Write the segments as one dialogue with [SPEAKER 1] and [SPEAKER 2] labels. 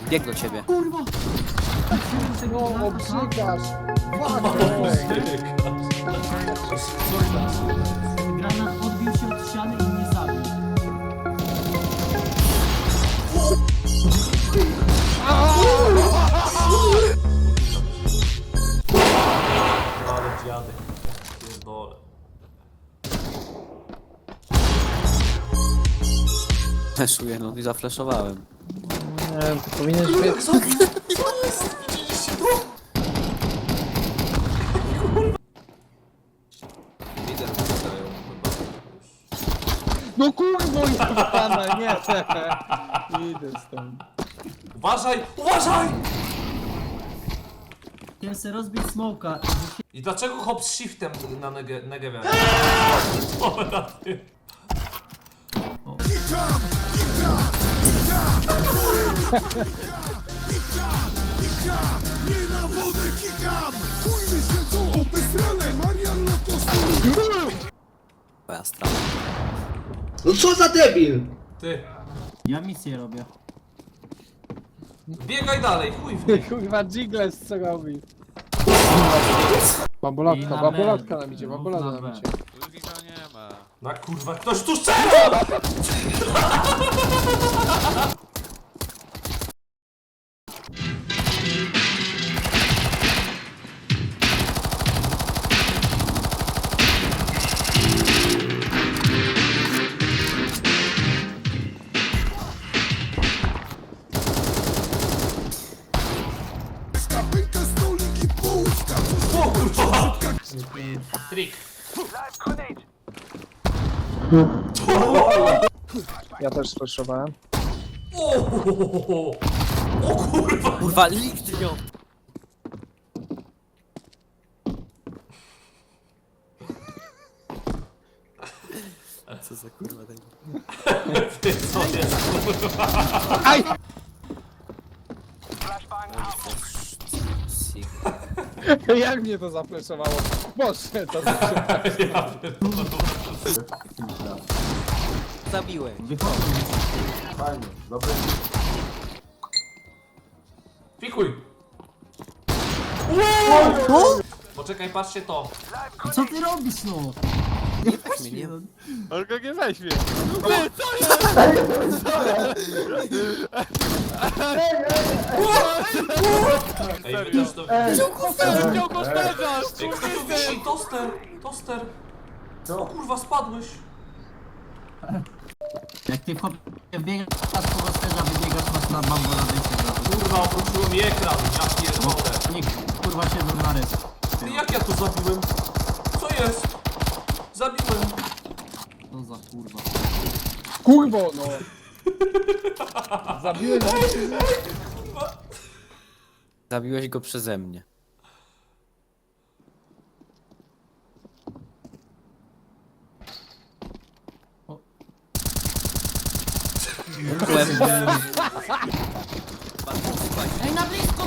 [SPEAKER 1] Bieg do ciebie.
[SPEAKER 2] Kurwa!
[SPEAKER 3] No, obrzygasz!
[SPEAKER 2] Granat odbił się od ściany i mnie zabił.
[SPEAKER 4] Ale dziadek. Pierdolę.
[SPEAKER 1] Fleszuję, no i zafleszowałem.
[SPEAKER 3] Nie wiem, ty powinieneś wiedzieć.
[SPEAKER 4] Lider wystają chyba.
[SPEAKER 3] No kurwo, jebana, nie! Idę stąd.
[SPEAKER 4] Uważaj! Uważaj!
[SPEAKER 2] Chciałem sobie rozbić smoka.
[SPEAKER 4] I dlaczego hop z shiftem na Negewie? Dobra, ty.
[SPEAKER 5] Nie na wodę kikam! Chuj mi się co obesrane! Marian Lotos!
[SPEAKER 1] Twoja strata.
[SPEAKER 6] No co za debil!
[SPEAKER 4] Ty.
[SPEAKER 2] Ja misję robię.
[SPEAKER 4] Biegaj dalej, chuj w nich.
[SPEAKER 3] Kurwa, Jiggles co robi?
[SPEAKER 2] I
[SPEAKER 3] Babulatka,
[SPEAKER 2] na
[SPEAKER 3] babulatka
[SPEAKER 2] B.
[SPEAKER 3] nam idzie,
[SPEAKER 2] No,
[SPEAKER 3] babulada
[SPEAKER 2] na
[SPEAKER 3] nam
[SPEAKER 2] B.
[SPEAKER 3] idzie.
[SPEAKER 4] Na kurwa, ktoś tu strzela!
[SPEAKER 5] Pęka stolik i połówka!
[SPEAKER 4] O kurwa! Trik.
[SPEAKER 3] Ja też słyszałem.
[SPEAKER 4] O kurwa!
[SPEAKER 1] Kurwa, likt ją! Co za kurwa ten...
[SPEAKER 4] Ty co jest?
[SPEAKER 3] Aj! Jak mnie to zafleszowało? Boże, to
[SPEAKER 1] Zabiłeś.
[SPEAKER 2] Wychodzę.
[SPEAKER 4] Pikuj! Poczekaj, patrzcie to.
[SPEAKER 2] Co ty robisz, no?
[SPEAKER 1] Mnie nie...
[SPEAKER 3] On go nie weźmie.
[SPEAKER 4] Ej, wy też to...
[SPEAKER 3] Wziął go sterzasz!
[SPEAKER 4] Ej, kto tu wisi? Toster! Toster! Co? Kurwa, spadłeś!
[SPEAKER 2] Jak ty chłopie biegasz po rozterza, wybiegasz, masz na bambola wyjście.
[SPEAKER 4] Kurwa, obróciło mi ekran, ja pierdolę.
[SPEAKER 2] Nie, kurwa siedzą na rys.
[SPEAKER 4] Ty, jak ja to zabiłem? Co jest? Zabiłem.
[SPEAKER 2] Co za kurwa.
[SPEAKER 3] Kurwo, no! Zabiłem
[SPEAKER 1] Zabiłeś go przeze mnie.
[SPEAKER 2] Ej, na blisko!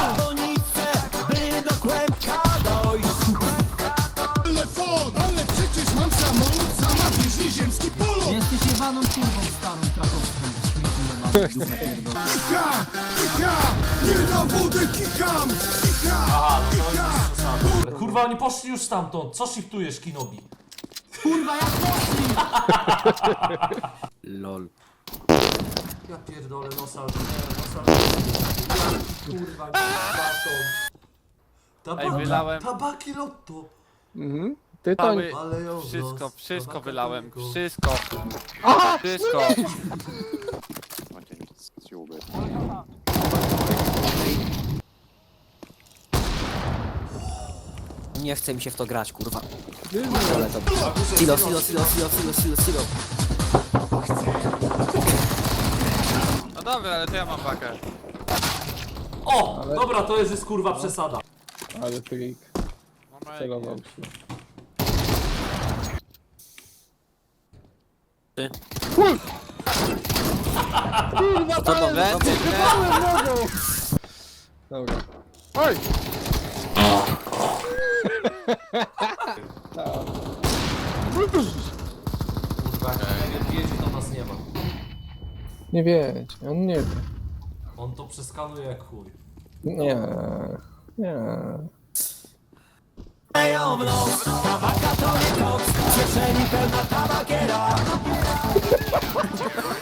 [SPEAKER 5] Telefon! Ale przecież mam samolot, sama bliźni ziemski polot!
[SPEAKER 2] Jesteś jebaną kurwą starą krakowską.
[SPEAKER 5] Kika! Kika! Nie na wodę kikam! Kika!
[SPEAKER 4] Aha, no to jest zasady. Kurwa, oni poszli już stamtąd. Co shiftujesz, Kinobi?
[SPEAKER 2] Kurwa, jak poszli!
[SPEAKER 1] LOL.
[SPEAKER 4] Ja pierdolę, nosa. Kurwa, baton. Tabaki lotto.
[SPEAKER 3] Mhm. Ty to nie...
[SPEAKER 4] Ale ją
[SPEAKER 7] Wszystko wylałem, wszystko. Wszystko.
[SPEAKER 1] Nie chce mi się w to grać, kurwa. Ale to... Silo, silo, silo, silo, silo, silo, silo.
[SPEAKER 7] No dobra, ale to ja mam pakę.
[SPEAKER 4] O! Dobra, to jest kurwa przesada.
[SPEAKER 3] Ale trik. Celował się.
[SPEAKER 1] Ty.
[SPEAKER 3] Kurwa,
[SPEAKER 1] To
[SPEAKER 3] dałem,
[SPEAKER 1] będzie,
[SPEAKER 3] wypałem nogą! Dobra. Oj!
[SPEAKER 4] Kurwa, jak wiedzie, to nas nie ma.
[SPEAKER 3] Nie wiedz, on nie wie.
[SPEAKER 4] On to przeskanuje jak chuj.
[SPEAKER 3] Nie. Nie.